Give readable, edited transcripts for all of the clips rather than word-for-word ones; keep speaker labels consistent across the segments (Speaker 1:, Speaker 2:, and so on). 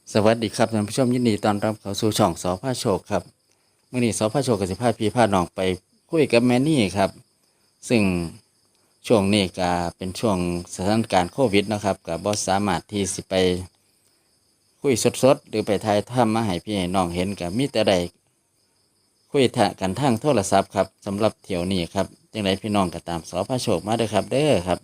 Speaker 1: สวัสดีครับท่านผู้ชมยินดีต้อนรับเข้าสู่ช่องสพโชคครับมื่อนี้สพโชคกับสิพาพี่พาน้องไปคุยกับแม่นี่ครับซึ่งช่วงนี้ก็เป็นช่วงสถานการณ์โควิดนะครับก็บ่สามารถที่สิไปคุยสดๆหรือไปถ่ายทำมาให้พี่ให้น้องเห็นก็มีแต่ได้คุยกันทางโทรศัพท์ครับสำหรับเที่ยวนี้ครับจังไรพี่น้องก็ตามสพโชคมาเด้อครับเด้อครับ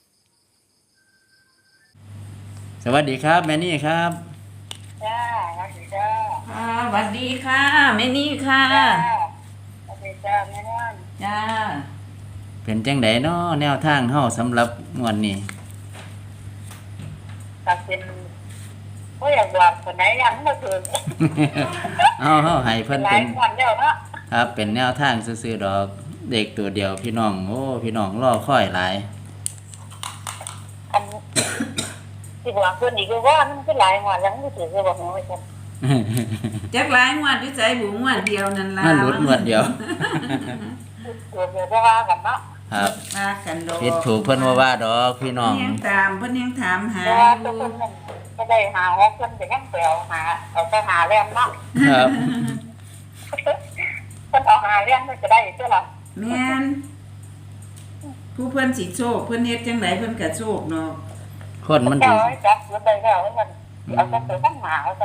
Speaker 1: สวัสดีครับแม่นี่ครับ
Speaker 2: จ้าสวัสดีจ้า
Speaker 3: สวัสดีค่ะแม่นี่ค่ะ
Speaker 2: จ้าสวัสดีจ้าแม่นั่น
Speaker 3: จ้า
Speaker 1: เป็นจังไดเนาะแนวทางเฮาสำหรับงวดนี้
Speaker 2: ตัดเป็นก็อยากบอกคนไหนยังไม่ถึง
Speaker 1: เฮาให้เพิ่น
Speaker 2: หลา
Speaker 1: เป็
Speaker 2: ย
Speaker 1: น
Speaker 2: วันแล้วเนาะ
Speaker 1: ครับเป็นแนวทางซื่อๆดอกเด็กตัวเดียวพี่น้องโอ้พี่น้องรอคอยหลาย
Speaker 2: อันที่บอกคนอีกว่ามันก็หลายวันแล้วไม่ถึงจะบอกน้อยจัง
Speaker 3: จักหลายงวดด้วยใจบุ๋งวดเดียวนั่นล่ะ
Speaker 1: มันหลุดงวดเดียว
Speaker 2: ตัวเดียวจะว่ากันเนาะ
Speaker 1: ครับ
Speaker 3: ว่ากันดอก
Speaker 1: ผิดถูกเพิ่นว่าดอกพี่น้อง
Speaker 3: เพิ่นยังตามเพิ่นยังถามหา
Speaker 2: แต่
Speaker 3: อ
Speaker 2: ว่า
Speaker 3: ยู่
Speaker 2: ตัวคนนึงก็ได้หาฮอกคนจะยังเปล่าหาเอาไปหาแรงเนาะ
Speaker 1: ครับ
Speaker 2: คนเอาหาแรงมันจะได้ใช่หรอ
Speaker 3: แม่นผู้เพิ่นสิโชคเพิ่นเฮ็ดจังไดเพิ่นก็โชคเนาะ
Speaker 1: คนมัน
Speaker 2: เจ้า
Speaker 1: ดี
Speaker 2: ไอ้จับรถได้แล้วมันเอาไปเปิดตั้งหมาเอาไป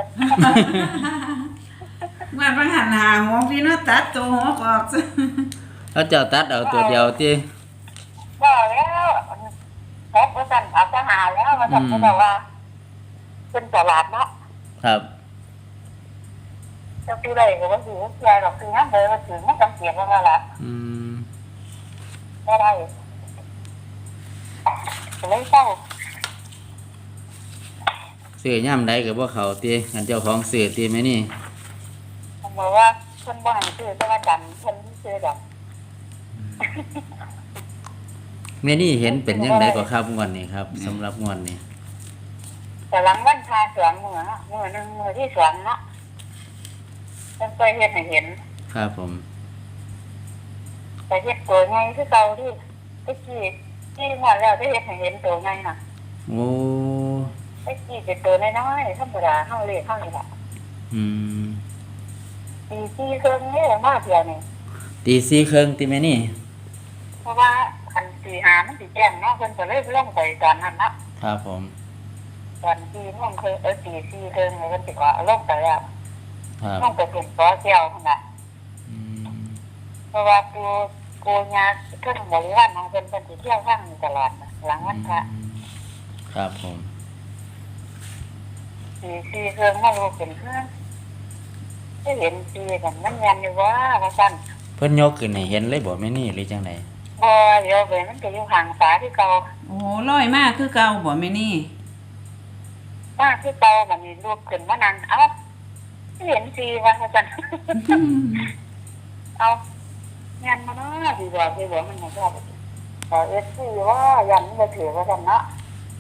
Speaker 3: งวดบางหันหาหัวพี่เนาะตัดตัวหัวออกซะ
Speaker 1: เขาเจ้าตัดเอาตัวเดียวติ
Speaker 2: ว่าแล้วแพ็คว่าสั่นเอาไปหาแล้วมาสั่นก็แบบว่าเป็นตลาดเนาะ
Speaker 1: ครับ
Speaker 2: จะคืออะไรก็ว่าถือเสียหรอกคืองั้นเลยว่าถือมันจำเสียว่าละ
Speaker 1: อืม
Speaker 2: ไม่ได้เลยเศร้า
Speaker 1: ซื้อย่ำใดก็บ่เข้าติอันเจ้าของซื้อติแม่นี่
Speaker 2: ผมบอกว่าคนบ่ให้ซื้อแต่ว่าดันคนที่ซื้อดอก
Speaker 1: แม่นี่เห็นเป็นจังไดก็ครับงวดนี้ครับสำหรับงวดนี้
Speaker 2: แต่หลังวันพาสองมือเนาะมือหนึ่งมือที่สองเนาะฉันเคยเห็นให้เห็น
Speaker 1: ครับผม
Speaker 2: แต่เห็นตัวไงคือเก่าที่ไอ้ที่หมดแล้วได้เห็นให้เห็นตัวไงน่ะ
Speaker 1: โอ้
Speaker 2: ไอ้ที่เป็นตัวน้อยๆธรรมดาเข้าเลยเข้านี่แหละ
Speaker 1: อืม
Speaker 2: ตีที่เครื่องนี่มากเดียวนี่
Speaker 1: ตีสี่ครึ่งติแม่นี่
Speaker 2: เพราะว่าคันตีหามันตีแจ้งเนาะเพิ่นก็เลยล่องไปตอนนั้นเนาะ
Speaker 1: ครับผม
Speaker 2: ตอนที่ล่องเคยตีที่เครื่องเลยเพิ่นสิว่าล่องไปแล้ว
Speaker 1: ครับ
Speaker 2: ล่องไปเป็นตัวเกี่ยวนั่นน่ะ
Speaker 1: อืม
Speaker 2: เพราะว่ากูญาเครื่องบริวารของเพิ่นเพิ่นสิเที่ยวข้างนี้ตลอดน่ะหลังวันพระ
Speaker 1: ครับผม
Speaker 2: ตีที่เครื่องมารู้เป็นเครื่องได้เห็นตีกันมันยันอยู่ว่าซั่น
Speaker 1: เพิ่นยกขึ้นให้เห็นเลยบ่แม่นี่หรือจังได
Speaker 2: บ่เดี๋ยวไปมันก็อยู่ห่างฝาที่เก่า
Speaker 3: โอ้ลอยมากคือเก่าบ่แม่นี่
Speaker 2: มากที่เก่ามันมีรูปขึ้นมานั่งเอ้าเห็นสีว่าซั่น เอายันมาเนาะดีกว่าดีกว่ามันไม่ชอบขอเอสซีว่ายันมันถือว่ากันเนาะ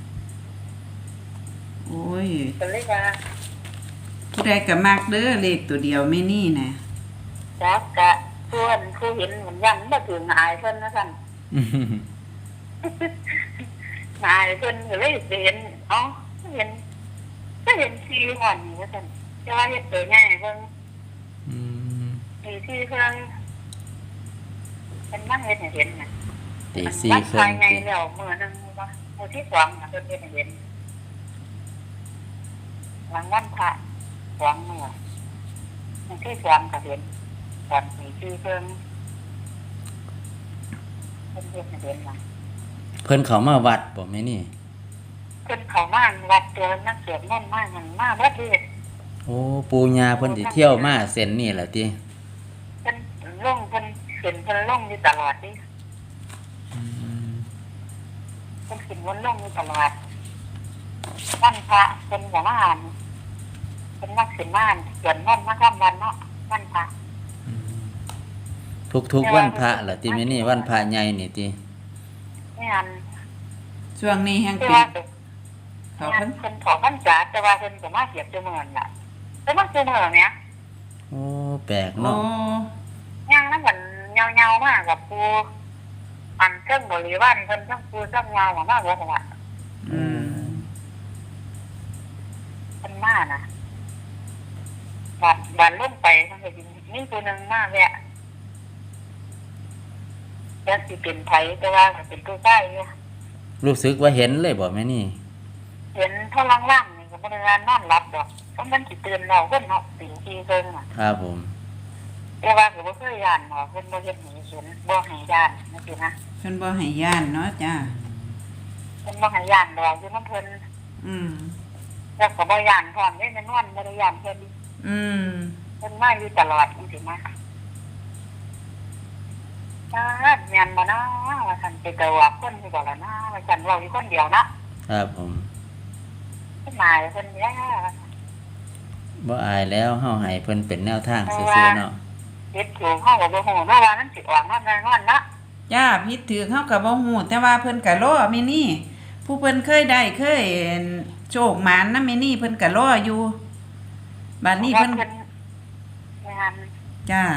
Speaker 3: โอ้ย
Speaker 2: เป็นเลยว่า
Speaker 3: ผู้ใดก็มักเด้อเลขตัวเดียวแม่นี่น่ะ
Speaker 2: จักกะส่วนคือเห็นเหมือนยันมาถึงหายเพิ่นนะท่านหายเพิ่นก็เลยเห็นเอ้าเห็นก็เห็นซีห่อนว่าท่านจะว่าเห็นตัวง่ายเพิ่น
Speaker 1: อืม
Speaker 2: มีที่เพิ่นเป็นนั่งเห็นให้เห็นน่ะ
Speaker 1: ตีสี่
Speaker 2: มัน
Speaker 1: ครึ่
Speaker 2: ภาง ยใน
Speaker 1: ติ
Speaker 2: แล้วมื้อนึงว่ามื้อที่สองน่ะเพิ่นเห็นให้เห็นหลังวันพระสองมื้อมื้อที่สองก็เห็นตอนมีที่เพิ่นเพิ่นเห็นให้เห็นน่ะ
Speaker 1: เพิ่นเขามาวัดบ่แม่นี่
Speaker 2: เพิ่นเข้ามาวัดเจอนักเสียนนั่นมากมันมาวัดเลย
Speaker 1: โอ้ปู่ย่าเพิ่นสิเที่ยวมาเส้นนี่ล่ะติ
Speaker 2: เพิ่นลงเพิ่นขึ้นเพิ่นลงอยู่ตลอดนี่
Speaker 1: อืม
Speaker 2: เพิ่นขึ้นวนลงอยู่ตลอดวันพระเพิ่นก็มาอ่านเพิ่นมักขึ้นมาอ่านเขียนนั่นมาข้ามวันเนาะวันพระ
Speaker 1: ทุกๆวันพระล่ะติแม่นี่วันพระใหญ่นี่ติ
Speaker 2: ไม่อ่าน
Speaker 3: ช่วงนี้แฮง
Speaker 2: แต่
Speaker 3: เป็น
Speaker 2: ว่า
Speaker 3: เขา
Speaker 2: เพิ่
Speaker 3: เพิ่
Speaker 2: น
Speaker 3: น
Speaker 2: เพิ่นขอพรรษาแต่ว่าเพิ่นก็มาเสียบจมูกน่ะแต่มาจมูกเนี่ย
Speaker 1: โอ้แปลก
Speaker 3: โอ้
Speaker 1: เนาะ
Speaker 2: ย่างนั้นเหมือนเงาๆมากกับปูอันเครื่องบริวารเพิ่นทั้งปูทั้งเงามากเลยค่ะ
Speaker 3: อืม
Speaker 2: เพิ่นมาน่ะบานลงไปมันก็สิมีตัวหนึงมาแวะแล้วสิเป็นไผแต่ว่าก็เป็นตัวใต้อยู่
Speaker 1: รู้สึกว่าเห็นเลยบ่แม่นี่
Speaker 2: เห็นเท่าล่างๆนี่ก็บ่ได้ว่านอนหลับดอกเพราะมันสิตื่นแล้วเพิ่นเนาะตีทีเพิ่นน่ะ
Speaker 1: ครับผม
Speaker 2: แต่ว่าก็บ่เคยย่านเนาะเพิ่นบ่เฮ็ดให้เห็นบ่ให้ย่านจังซี่นะ
Speaker 3: เพิ่นบ่ให้ย่านเนาะจ้า
Speaker 2: เพิ่นบ่ให้ย่านดอกอยู่นำเพิ่น
Speaker 3: อืม
Speaker 2: แล้วก็บ่ย่านพร้อมเด้แม่นอนบ่ได้ย่านเพิ่น
Speaker 3: อืม
Speaker 2: เพิ่นมาอยู่ตลอดจังซี่นะแม่นบ่นะว่าซั่นไปกะว่าคนอยู่บ่ล่ะนะว่าซั่นเว้าอยู่คนเดียวนะครับ
Speaker 1: ผม
Speaker 2: เพิ่นมาเพิ่นแย่
Speaker 1: บ่อายแล้วเฮาให้เพิ่นเป็นแนวทางซื่อๆเนาะ
Speaker 2: เฮ็ดถูกเฮาก็บ่ฮู้เนาะว่ามันสิออกมาแน่นอนนะ
Speaker 3: จ้าผิดถือเฮาก็บ่ฮู้แต่ว่าเพิ่นก็รอแม่นี่ผู้เพิ่นเคยได้เคยโชคหมานนำแม่นี่เพิ่นก็รออยู่บัดนี้เพิ่น
Speaker 2: แม่น
Speaker 3: จ้า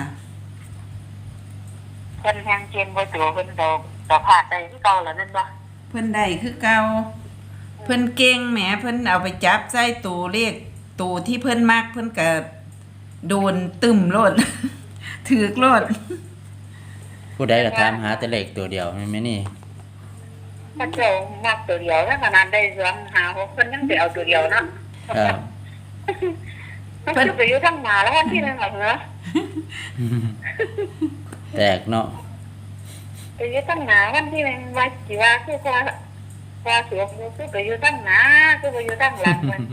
Speaker 2: เพิ่นแฮงเกมบ่ตัวเพิ่นดอกพาดได้คือเก่าแล้วนั่นบ่
Speaker 3: เพิ่นได้คือเก่าเพิ่นเก่งแหมเพิ่นเอาไปจับใส่ตู้เลขตู้ที่เพิ่นมักเพิ่นก็โดนตึมโลด ถือกโลด
Speaker 1: ผู้ใดก็ถามหาแต่เลขตัวเดียวแม่นี่
Speaker 2: พระเจ้ามักตัวเดียวแล้วขนาดได้รวมหา6เพิ่นยังไปเอาตัวเดียวเนาะ
Speaker 1: ครับ
Speaker 2: เพิ่นไปอยู่ทางหน้าแล้ววันที่นึงเหรอ
Speaker 1: แตกเนาะ
Speaker 2: ไปอยู่ทางหน้าวันที่นึงว่าสิว่าคือว่าสวมคือไปอยู่ทางหน้าคือไปอยู่ทางหลังมัน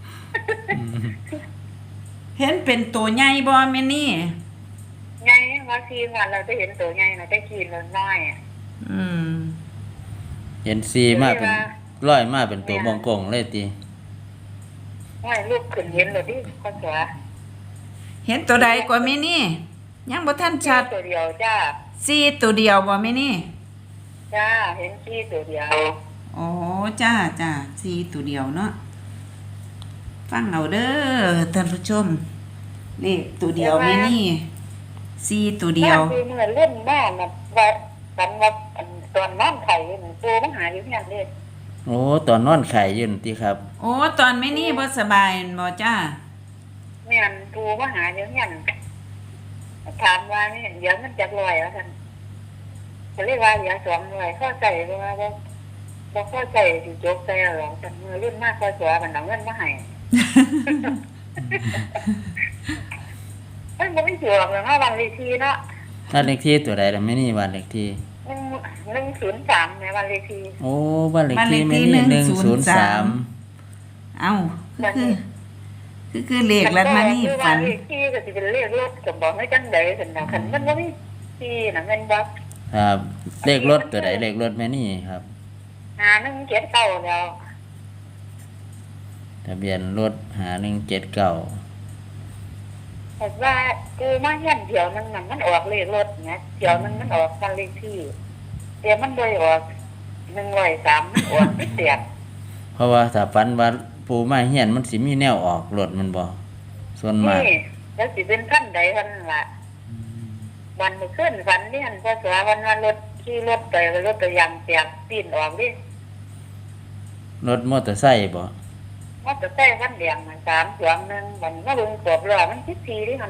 Speaker 3: เห็นเป็นตัวใหญ่บ่แม่นี่
Speaker 2: ใหญ่ว่าทีวันเราจะเห็นตัวใหญ่น่ะได้กินน้อยๆอ่ะ
Speaker 3: อืม
Speaker 1: เห็นซีมาเป็นร้อยมาเป็นตัวบงกงเลยติ
Speaker 2: ห้อยลูกขึ้นเห็นเลยดิข้อเสือ
Speaker 3: เห็นตัวใดกว่าแม่นี่ยังบ่ทันชัด
Speaker 2: ตัวเดียวจ้า
Speaker 3: ซีตัวเดียวบ่แม่นี่
Speaker 2: จ้าเห็นขี้ตัวเดียว
Speaker 3: อ๋อจ้าจ้าซีตัวเดียวเนาะฟังเอาเด้อท่านผู้ชมเลขตัวเดียวแม่นี่ซีตัวเดียว
Speaker 2: คือเมื่อเล่นแม่น่ะว่ากันว่าตอนน้ำไข่ตัวมันหายอยู่เนี่ยเลย
Speaker 1: โอ้ตอนนอนไข่ยืนติครับ
Speaker 3: โอ้ตอนแม่นี่บ่สบายบ่จ้า
Speaker 2: แม่นตัวมันหายอยู่เนี่ยถามว่านี่เดี๋ยวมันจะลอยแล้วกันจะเรียกว่าเดี๋ยวสวมลอยเข้าใจว่าบ่เข้าใจสิจกใจหรอกแต่เมื่อรุ่นมากข้อเสือมันเอาเงินมาให้มันไม่เสือกเลยเนาะวันเลขที่เนาะ
Speaker 1: บ้านเลขที่ตัวใดล่ะแม่นี่บ้านเลขที่
Speaker 2: 103ในวันเลขที่
Speaker 1: โอ้บ้านเลขที่แม่นี่103
Speaker 3: เอ้าคือเลขแล้วมานี่ฝัน
Speaker 2: เลขที่ก็สิเป็นเลขรถก็บอกให้จังได๋ซั่นน่ะคันมันบ่มีที่น่ะแม่นบ่
Speaker 1: ครับเลขรถตัวใดเลขรถแม่นี่ครับ
Speaker 2: 179แล้ว
Speaker 1: ทะเบียนรถ5179
Speaker 2: แต่ว่ากูมาเฮียนเดี๋ยวนึงน่ะมันออกเลขรถเนี่ยเดี๋ยวนึงมันออกวันเลขที่แต่มันบ่ออก103มันออกไม่เสีย
Speaker 1: เพราะว่าถ้าฝันว่าปูมาเฮียนมันสิมีแนวออกรถมันบ่ส่วนมาก
Speaker 2: นี่แล้วสิเป็นขั้นใดคั่นล่ะวันมื้อคืนฝันนี่หั่นพอสว่าวันรถขี่รถไปรถก็ยางแตกปีนออกดิ
Speaker 1: รถมอเตอร์ไซค์บ่
Speaker 2: มันจะแต่วันแดงน่ะ3 2 1วันมาเบิ่งกรอบล้อมัน14ดิหั่น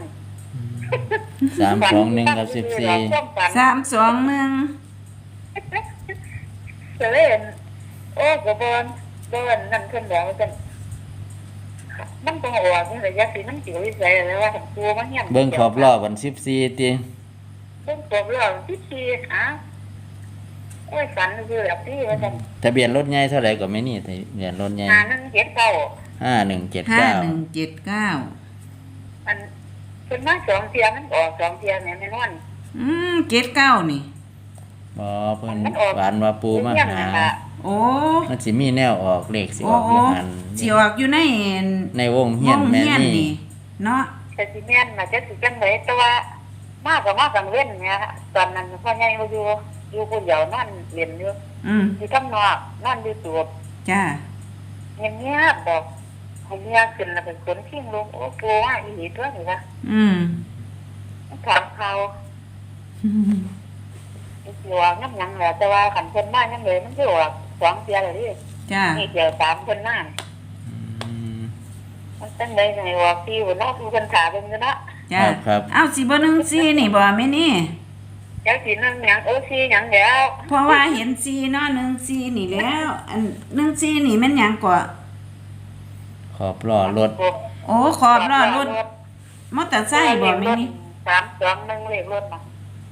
Speaker 1: 321กับ14
Speaker 3: 321
Speaker 2: ก็เลยโอ้ก็บ่นั่นเพิ่นบอกว่าซั่นมันต้องออกนี่ระยะสิมันสิวิสัยแล้วว่ากูมาเฮียน
Speaker 1: เบิ่งขอบล้อวัน14ติ
Speaker 2: เบิ่งกรอบล้อ14อ้าวโอ้ยฝันคือแบบนี้ว่าซั่น
Speaker 1: ทะเบียนรถใหญ่เท่าไหร่ก็ไม่นี่ทะเบียนรถใหญ่
Speaker 2: 5179
Speaker 1: 5179
Speaker 3: 5179
Speaker 2: อันเพิ่นมา2เที่ยมันออก2เที่ยแม่นอน
Speaker 3: 79นี่
Speaker 1: บ่เพิ่นหวานว่าปูมาหา
Speaker 3: โอ้
Speaker 1: มันสิมีแนวออกเลขสิอ
Speaker 3: โอ้
Speaker 1: อกอยู่หัน
Speaker 3: สิออกอยู่ใน
Speaker 1: ในวงเฮียนแม่นี่
Speaker 3: เนาะ
Speaker 2: แต่สิแม่นน่ะจักสิจังได๋แต่ว่ามาก็มากังเว้นเนี่ยตอนนั้นพ่อใหญ่บ่อยู่คนเดียวนอนเรียนอยู่ อยู่ข้างนอกนอนอยู่ตัว
Speaker 3: จ้า
Speaker 2: เงียบๆบอกให้เมียขึ้นแล้วเป็นคนทิ้งลงโอ้โหว่าอีหลีตัวนี่ว่าถามเขาสิว่าน้ำหยังแหละแต่ว่าขันเพิ่นมายังเลยมันสิออก2เที่ยแล้วดิ
Speaker 3: จ้า
Speaker 2: นี่เดี๋ยว3เพิ่นมา
Speaker 1: อืม
Speaker 2: มันตั้งใดไงว่าพี่บ่เนาะผู้คนถามเบิ่งอยู่เนาะ
Speaker 3: จ้า
Speaker 1: ครับ
Speaker 3: เอาสิบ่นึงซีนี่บ่แม่นี่
Speaker 2: จักสินั่งหยังสิหยังแล้ว
Speaker 3: เพราะว่าเห็นซีเนาะนึงซีนี่แล้ว อันนึงซีนี่แม่นหยังกว่า
Speaker 1: ขอบล้อรถ
Speaker 3: โอ้ขอบล้อรถมอเตอร์ไซค์บ่แม่นี่
Speaker 2: 321เลขรถน่ะ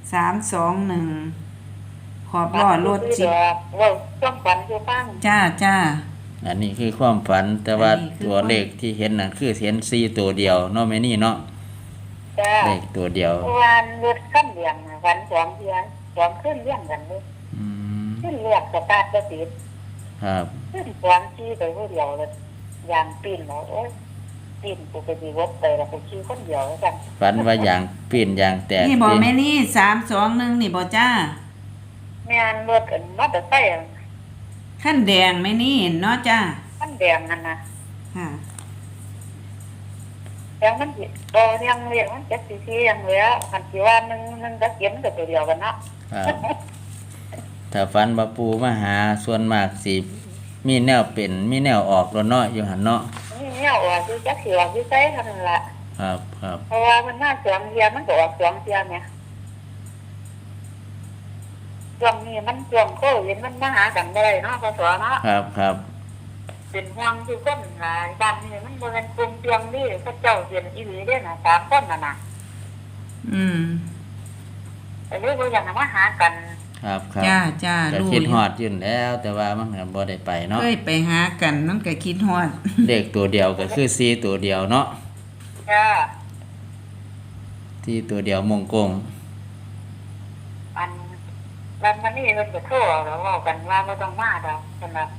Speaker 3: 321ขอบล้อรถสิ
Speaker 2: เว้าต้องฝันอยู่ฟัง
Speaker 3: จ้าจ้า
Speaker 1: อันนี้คือความฝันแต่ว่า
Speaker 3: อันนี้คือ
Speaker 1: ตัวเลขที่เห็นน่ะคือเห็น4ตัวเดียวเนาะแม่นี่เนาะ
Speaker 2: จ้า
Speaker 1: เลขตัวเดียว
Speaker 2: วันรถคันเดียงน่ะวัน2เดือน2ขึ้นเลี้ยงกันเลย
Speaker 1: อืม
Speaker 2: ขึ้นเรียกสตาร์ทก็ติด
Speaker 1: ครับ
Speaker 2: ขึ้น2ที่ไปผู้เดียวเลยยางปีนแล้วโอ๊ยปีนกูไปดีรถไปแล้วกูขี่คนเดียวแล้วกัน
Speaker 1: ฝันว่าอย่างปีนอย่างแตก
Speaker 3: นี่บ่
Speaker 1: ติ
Speaker 3: แม่นี่321นี่บ่จ้า
Speaker 2: แม่นรถอันมอเตอร์ไซค์อัน
Speaker 3: ขั้นแดงแม่นี่เนาะจ้า
Speaker 2: คันแดงนั่นน่ะ
Speaker 3: ค่ะ
Speaker 2: แล้วมันสิบ่ยังเรียกมันจักสิที่ยังเหลือคันสิว่านึงก็เก็บมันก็ตัวเดียวกันเนาะ
Speaker 1: ครับ ถ้าฝันว่าปูมาหาส่วนมากสิมีแนวเป็นมีแนวออกแล้วเนาะอยู่หั่นเนาะ
Speaker 2: นี่เนี่ยออกคือจักสิออกคือไสเท่านั้นล่ะ
Speaker 1: ครับครับ
Speaker 2: เพราะว่ามันมา2เที่ยมันก็ออก2เที่ยแหมช่วงนี้มันช่วงโควิดมันมาหากันบ่ได้เนาะพศเนาะ
Speaker 1: ครับครับ
Speaker 2: เป็นห่วงคือคนหลายบ้านนี้มันบ่แม่นกลุ่มเตียงนี่เขาเจ้าเรียนอีหลีเด้อน่ะ3คนน่ะน่ะ
Speaker 3: อืม
Speaker 2: แต่เลยบ่อยากให้มาหากัน
Speaker 1: ครับครับ
Speaker 3: จ้าจ้า
Speaker 1: ก็
Speaker 3: รู้
Speaker 1: คิด
Speaker 3: อยู่
Speaker 1: ฮอดอยู่แล้ว แต่ว่ามันก็บ่ได้ไปเนาะ
Speaker 3: เคยไปหากันมันก็คิดฮอด
Speaker 1: เลขตัวเดียวก็คือ4ตัวเดียวเนาะ
Speaker 2: จ้า
Speaker 1: ที่ตัวเดียวมงกง
Speaker 2: อันมันนี่เพิ่นก็โทรแล้วเว้ากันว่าบ่ต้องมาดอกเพิ่นว่า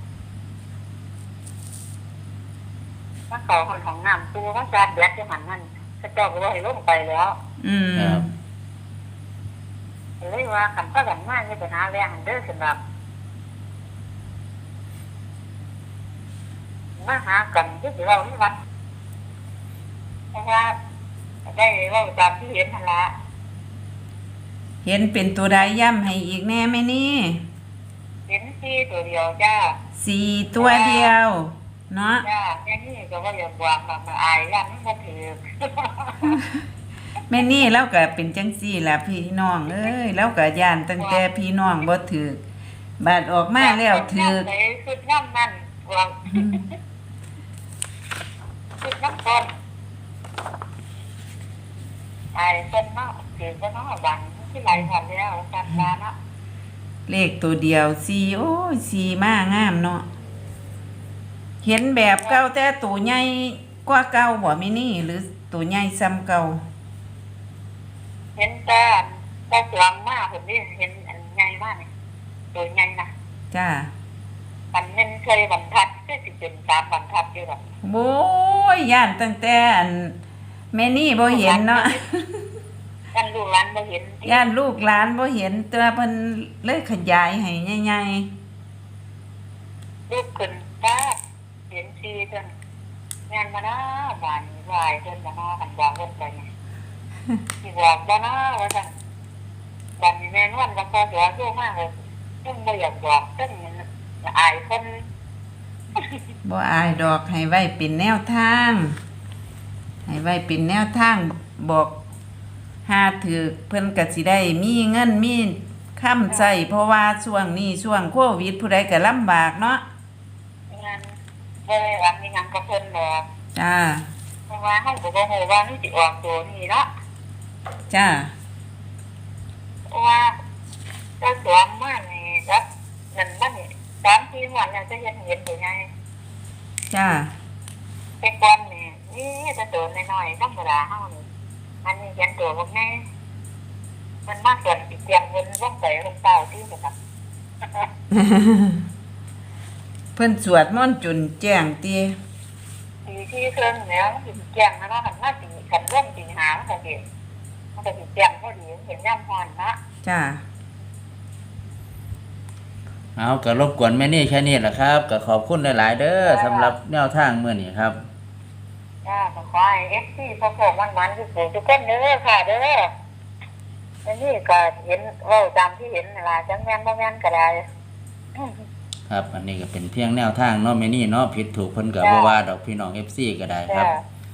Speaker 2: มาขอของน้ำตู้ว่าจานแบล็คอยู่หั่นนั่นเขาเจ้าก็บ่ให้ลงไปแล้ว
Speaker 3: อืม
Speaker 1: ครับ
Speaker 2: เลยว่าคันพากันมาอย่าไปหาแรงเด้อสำหรับมาหากันที่สิเว้าที่วัดเพราะว่าได้เว้าตามที่เห็นนั่นล่ะ
Speaker 3: เห็นเป็นตัวใดย่ำให้อีกแน่แม่นี่
Speaker 2: เห็นที่ตัวเดียวจ้า
Speaker 3: 4ตัวเดียว เนาะ
Speaker 2: จ้าแค่นี้ก็ว่าอย่าบอกมาอายยันมันบ่ถือ
Speaker 3: แม่นี่เราก็เป็นจังซี่ล่ะพี่น้องเอ้ยเราก็ย่านตั้งแต่พี่น้องบ่ถือกบาดออกมาแล้วถือก
Speaker 2: ไหนคือน้ำนั่นว่าคือน้ำต้นอายต้นเนาะถือก็เนาะบังที่ไหลผ่านแล้วกันมาเนาะ
Speaker 3: เลขตัวเดียว4โอ้ย4มางามเนาะเห็นแบบเก่าแต่ตัวใหญ่กว่าเก่าบ่แม่นี่หรือตัวใหญ่ซ้ำเก่า
Speaker 2: เห็นแต่สวงมากผมนี่เห็นอันใหญ่มากเลยตัวใหญ่นะ
Speaker 3: จ้า
Speaker 2: มันเน้นเคยบรรทัดก็สิเป็น3บรรทัดอยู่หรอก
Speaker 3: โอ้ยย่านตั้งแต่อันแม่นี่บ่เห็นเนาะ
Speaker 2: กันลูกหลานบ่เห็น
Speaker 3: ย่านลูกหลานบ่เห็นแต่ว่าเพิ่นเลยขยายให้ใหญ่
Speaker 2: ลูกขึ้นตาเห็นซีเพิ่นงานมานะบ้านวายเพิ่นมานะกันวางเพิ่นไปไงสิบอกบ่นะว่าซั่นบ้านนี้แม่นวันก็พอตัวโตมากเลยซึ่งบ่อยากบอกซึ่งอายเพิ่น
Speaker 3: ๆบ่อายดอกให้ไว้เป็นแนวทาง ให้ไว้เป็นแนวทางบอกหาถือเพิ่นก็สิได้มีเงินมีค้ำใช้เพราะว่าช่วงนี้ช่วงโควิดผู้ใดก็ลำบากเนาะ
Speaker 2: งานบ่ได้หวังอีหยังกับเพิ่นดอก
Speaker 3: จ้า
Speaker 2: เพราะว่าเฮาก็บ่ฮู้ว่ามันสิออกตัวนี้เนาะ
Speaker 3: จ้า
Speaker 2: เพราะว่าถ้าสวมมานี่ครับนั่นมันนี่3-4วันแล้วจะเห็นตัวใหญ่
Speaker 3: จ้า
Speaker 2: แต่ก่อนนี่จะตัวน้อยๆธรรมดาเฮานี่อันนี้เห็นตัวบ่แม่มันมากส่วนสิเตรียมเงินลงไปลงเต้าที่ครับ
Speaker 3: เพิ่นสวดมนต์จนแจ้งติ
Speaker 2: ปีที่เครื่องแล้วมันสิแจ้งนะเนาะคันมาสิคันเริ่มสิหามันก็สิแจ้งพอดีเห็นยามฮ้อนนะ
Speaker 3: จ้า
Speaker 1: เอาก็รบกวนแม่นี่แค่นี้แหละครับก็ขอบคุณหลายๆเด้อสำหรับแนวทางมื้อนี้ครับ
Speaker 2: จ้าขอให้ FC พวกมันๆทุกคนเด้อค่ะเด้ออันนี้ก็เห็นเว้าตามที่เห็นนั่นล่ะจังแม่นบ่แม่นก็ได้
Speaker 1: ครับ อันนี้ก็เป็นเพียงแนวทางเนาะแม่นี่เนาะผิดถูกเพิ่นก็บ่ว่าดอกพี่น้อง FC ก็ได้ครับ
Speaker 2: จ้า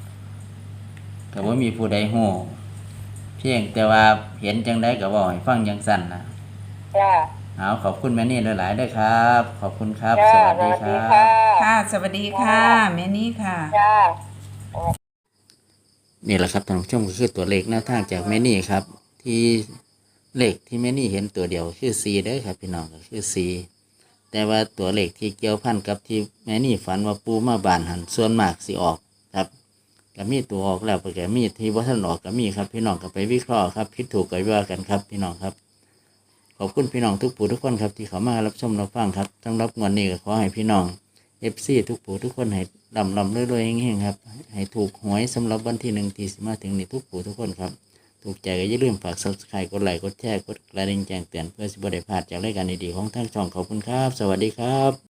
Speaker 1: ก็บ่มีผู้ใดฮู้เพียงแต่ว่าเห็นจังไดก็เว้าให้ฟังจังซั่นนะ
Speaker 2: จ้า
Speaker 1: เอาขอบคุณแม่นี่หลายๆด้วยครับ ขอบคุณครับ
Speaker 2: จ้า
Speaker 1: สวัสดีครั
Speaker 2: ค่ะ
Speaker 1: บ
Speaker 3: ค่ะ สวัสดีค่ะ แม่นี่ค่ะ
Speaker 2: จ้า
Speaker 1: นี่แหละครับท่านผู้ชมก็คือตัวเลขแนวทางจากแม่นี่ครับ ที่เลขที่แม่นี่เห็นตัวเดียวคือ4เด้อครับพี่น้องก็คือ4แต่ว่าตัวเลขที่เกี่ยวพันกับที่แม่นี่ฝันว่าปูมาบานหันส่วนมากสิออกครับก็มีตัวออกแล้วก็มีที่บ่ทันออกก็มีครับพี่น้องก็ไปวิเคราะห์ครับผิดถูกก็ว่ากันครับพี่น้องครับขอบคุณพี่น้องทุกผู้ทุกคนครับที่เข้ามารับชมรับฟังครับสำหรับงวดนี้ก็ขอให้พี่น้อง FC ทุกผู้ทุกคนให้ลำรวยๆเฮงๆครับให้ถูกหวยสำหรับวันที่1ที่สิมาถึงนี้ทุกผู้ทุกคนครับถูกใจก็อย่าลืมฝาก Subscribe กดไลค์กดแชร์กดกระดิ่งแจ้งเตือนเพื่อสิบ่ได้พลาดจากรายการดีๆของทางช่องขอบคุณครับสวัสดีครับ